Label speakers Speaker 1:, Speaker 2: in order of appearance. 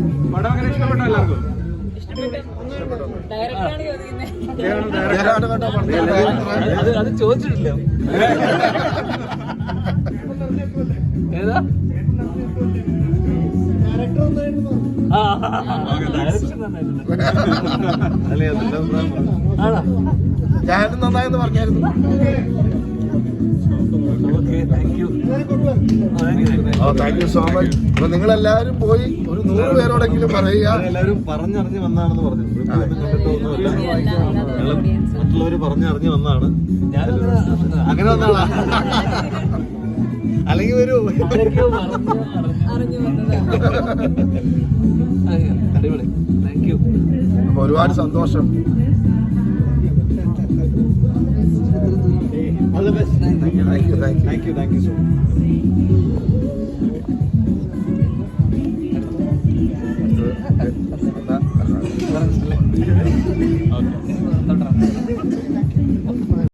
Speaker 1: പടം അങ്ങനെ ഇഷ്ടപ്പെട്ടോ എല്ലാവർക്കും?
Speaker 2: അത് ചോദിച്ചിട്ടില്ല. ഏതാ
Speaker 3: ഞാനും നന്നായെന്ന് പറഞ്ഞായിരുന്നു. Thank you so much. അപ്പൊ നിങ്ങളെല്ലാവരും പോയി ഒരു 100 പേരോടെങ്കിലും പറയുക.
Speaker 4: എല്ലാവരും പറഞ്ഞറിഞ്ഞ് വന്നാണെന്ന് പറഞ്ഞു. മറ്റുള്ളവര് പറഞ്ഞറിഞ്ഞ് വന്നാണ്. അങ്ങനെ വന്നാളാ അല്ലെങ്കിൽ വരൂ.
Speaker 2: അടിപൊളി. Thank you.
Speaker 3: അപ്പൊ ഒരുപാട് സന്തോഷം.
Speaker 4: All the best. Thank you. Thank you. Thank you. Thank you so much. Okay.